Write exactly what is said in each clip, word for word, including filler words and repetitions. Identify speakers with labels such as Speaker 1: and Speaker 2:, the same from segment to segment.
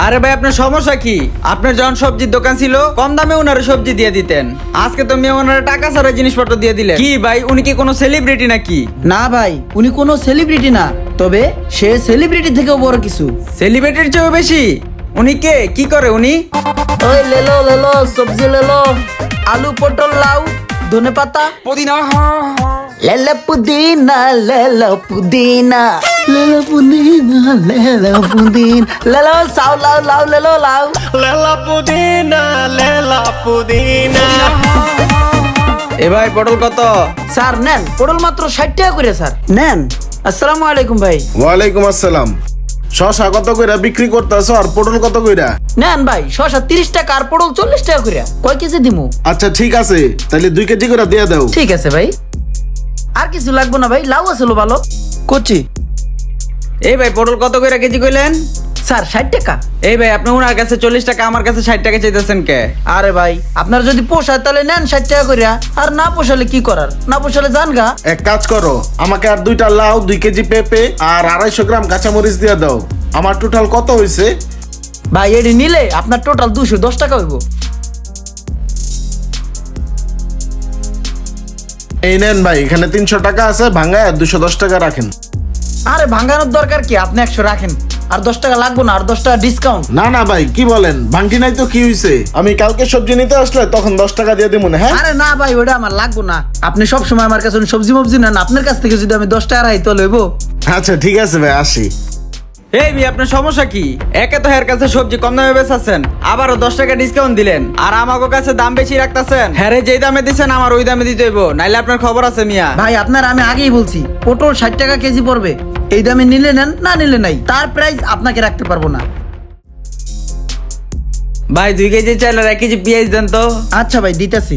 Speaker 1: আরে ভাই আপনার সমস্যা কি? আপনার যখন সবজির দোকান ছিল কম দামে ওনারে সবজি দিয়ে দিতেন, আজকে তো মেয়ে ওনারে টাকা ছাড়া জিনিসপত্র দিয়ে দিলেন। কি ভাই উনি কি কোনো সেলিব্রিটি নাকি?
Speaker 2: না ভাই, উনি কোনো সেলিব্রিটি না, তবে সে সেলিব্রিটি থেকেও বড় কিছু।
Speaker 1: সেলিব্রিটির চেয়েও বেশি? উনি কে, কি করে উনি?
Speaker 2: ওই লেলো লেলো সবজি লেলো, আলু পটল লাউ ধনে পাতা
Speaker 1: পুদিনা।
Speaker 2: লেলো পুদিনা লেলো পুদিনা লেলো পুদিনা লেলো পুদিন লেলো সাউ লাউ লাউ লেলো লাউ
Speaker 3: লেলা পুদিনা লেলা পুদিনা।
Speaker 1: এ ভাই পটল কত?
Speaker 2: স্যার নেন, পটল মাত্র ষাট টাকা করে স্যার নেন। আসসালামু আলাইকুম ভাই।
Speaker 4: ওয়ালাইকুম আসসালাম। শশা কত কইরা বিক্রি করতেছো আর পটল কত কইরা?
Speaker 2: নেন ভাই, শসা তিরিশ টাকা আর পটল চল্লিশ টাকা করে। কয় কেজি দিমু?
Speaker 4: আচ্ছা ঠিক আছে, তাহলে দুই কেজি করে দিয়ে দাও।
Speaker 2: ঠিক আছে ভাই, আর কিছু লাগবে না ভাই, লাউ আছে ভালো কচি।
Speaker 1: এই ভাই পটল কত করে কেজি কইলেন?
Speaker 2: স্যার ষাট টাকা।
Speaker 1: এই ভাই আপনি ওনার কাছে চল্লিশ টাকা আমার কাছে ষাট টাকা চাইতেছেন কে?
Speaker 2: আরে ভাই আপনার যদি পোষায় তাহলে নেন ষাট টাকা করিয়া, আর না পোষালে কি করার, না পোষালে যান গা।
Speaker 4: এক কাজ করো, আমাকে আর দুইটা লাউ, দুই কেজি পেঁপে আর আড়াইশো গ্রাম কাঁচামরিচ দিয়ে দাও। আমার টোটাল কত হয়েছে?
Speaker 2: ভাই এটি নিলে আপনার টোটাল দুশো দশ টাকা হইব।
Speaker 4: এই নেন ভাই, এখানে তিনশো টাকা আছে, ভাঙ্গায় আর দুশো দশ টাকা রাখেন।
Speaker 2: আরে ভাঙানোর দরকার কি, আপনি একশো রাখেন, আর দশ টাকা লাগবো না, আর দশ টাকা ডিসকাউন্ট।
Speaker 4: না না ভাই, কি বলেন, ভাঙটি নাই তো কি হয়েছে? আমি কালকে সবজি নিতে আসলে তখন দশ টাকা দিয়ে দিব না। হ্যাঁ
Speaker 2: আরে না ভাই, ওটা আমার লাগবো না, আপনি সব সময় আমার কাছে সবজি মবজি নেন, আপনার কাছ থেকে যদি আমি দশ টাকা রাখি তো লইব।
Speaker 4: আচ্ছা ঠিক আছে ভাই, আসি।
Speaker 1: এই ভাই আপনার সমস্যা কি? একে তো এর কাছে সবজি কম দামে বেচাচ্ছেন, আবারও দশ টাকা ডিসকাউন্ট দিলেন, আর আমাকে কাছে দাম বেশি রাখতেছেন। হ্যাঁ রে, যেই দামে দিচ্ছেন আমার ওই দামে দিতে হইব, নাইলে আপনার খবর আছে মিয়া।
Speaker 2: ভাই আপনার আমি আগেই বলছি পটল ষাট টাকা কেজি পড়বে, এই দামে নিলে নেন, না নিলে নাই, তার প্রাইস আপনাকে রাখতে পারবো না।
Speaker 1: ভাই দুই কেজি চাইল আর এক কেজি পেঁয়াজ দেন তো।
Speaker 2: আচ্ছা ভাই দিতেছি।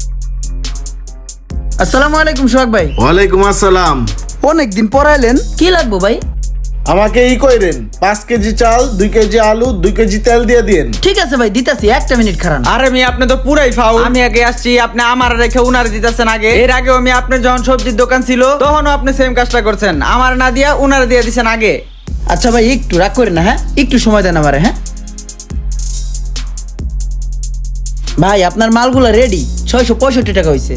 Speaker 2: আসসালামু আলাইকুম সোহাগ ভাই।
Speaker 4: ওয়ালাইকুম আসসালাম।
Speaker 2: অনেকদিন পর এলেন, কি লাগবো ভাই?
Speaker 4: আমাকে ই কইরেন, পাঁচ কেজি চাল, দুই কেজি আলু, দুই কেজি তেল দিয়ে দিন।
Speaker 2: ঠিক আছে ভাই দিতেছি, একটা মিনিট খারান।
Speaker 1: আরে মিয়া আপনি তো পুরাই ফাউ। আমি আগে আসছি, আপনি আমার রেখে উনার দিতেছেন আগে। এর আগে আমি আপনার যখন সবজির দোকান ছিল তখনও আপনি সেম কাজটা করছেন, আমার না দিয়া উনার দিয়ে দিছেন আগে।
Speaker 2: আচ্ছা ভাই একটু রাগ করেন না, হ্যাঁ একটু সময় দেন আমারে। হ্যাঁ ভাই আপনার মালগুলো রেডি, ছয়শো পঁয়ষট্টি টাকা হয়েছে।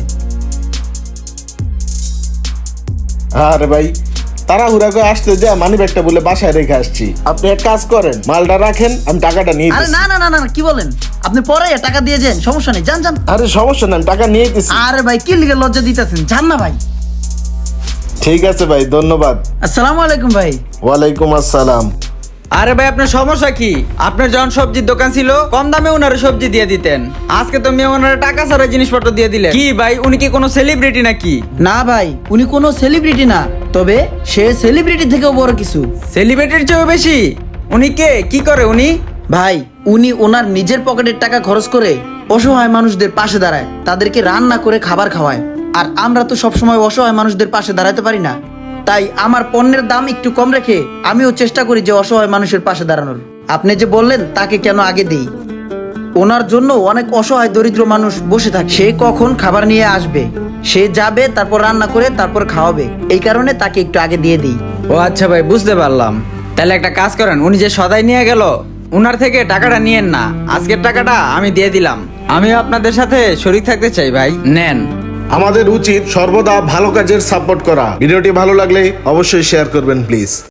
Speaker 4: আরে ভাই, তাড়াহুড়া করে আসতে দেয়া মানি ব্যাগটা বলে বাসায় রেখে আসছি। আপনি এক কাজ করেন, মালটা রাখেন, আমি টাকাটা নিয়ে
Speaker 2: আরে
Speaker 4: দিচ্ছি।
Speaker 2: না না না না, কি বলেন আপনি? পরে টাকা দিয়ে যান, সমস্যা নেই, যান যান।
Speaker 4: আরে সমস্যা নাই, আমি টাকা নিয়ে দিচ্ছি।
Speaker 2: আরে ভাই কি লিগে লজ্জা দিতেছেন, যান না ভাই।
Speaker 4: ঠিক আছে ভাই, ধন্যবাদ।
Speaker 2: আসসালামু আলাইকুম ভাই।
Speaker 4: ওয়ালাইকুম আসসালাম।
Speaker 1: আরে ভাই আপনার সমস্যা কি? আপনার যখন সবজির দোকান ছিল কম দামে ওনারে সবজি দিয়ে দিতেন, আজকে তো মেয়ে ওনারে টাকা ছাড়া জিনিসপত্র দিয়ে দিলেন। কি ভাই উনি কি কোনো সেলিব্রিটি নাকি?
Speaker 2: না ভাই, উনি কোনো সেলিব্রিটি না, তবে সে সেলিব্রিটি থেকেও বড় কিছু।
Speaker 1: সেলিব্রিটির চেয়েও বেশি? উনি কে, কি করে উনি?
Speaker 2: ভাই উনি ওনার নিজের পকেটের টাকা খরচ করে অসহায় মানুষদের পাশে দাঁড়ায়, তাদেরকে রান্না করে খাবার খাওয়ায়। আর আমরা তো সবসময় অসহায় মানুষদের পাশে দাঁড়াতে পারি না, তাই আমার পণ্যের দাম একটু কম রেখে আমিও চেষ্টা করি যে অসহায় মানুষের পাশে দাঁড়ানোর। আপনি যে বললেন তাকে কেন আগে দেই, ওনার জন্য অনেক অসহায় দরিদ্র মানুষ বসে থাকে, সে কখন খাবার নিয়ে আসবে, সে যাবে তারপর রান্না করে তারপর খাওয়াবে, এই কারণে তাকে একটু আগে দিয়ে দিই।
Speaker 1: ও আচ্ছা ভাই, বুঝতে পারলাম। তাহলে একটা কাজ করেন, উনি যে সদাই নিয়ে গেল উনার থেকে টাকাটা নিয়েন না, আজকের টাকাটা আমি দিয়ে দিলাম। আমিও আপনাদের সাথে শরীক থাকতে চাই ভাই, নেন।
Speaker 4: আমাদের উচিত সর্বদা ভালো কাজের সাপোর্ট করা। ভিডিওটি ভালো লাগলে অবশ্যই শেয়ার করবেন প্লিজ।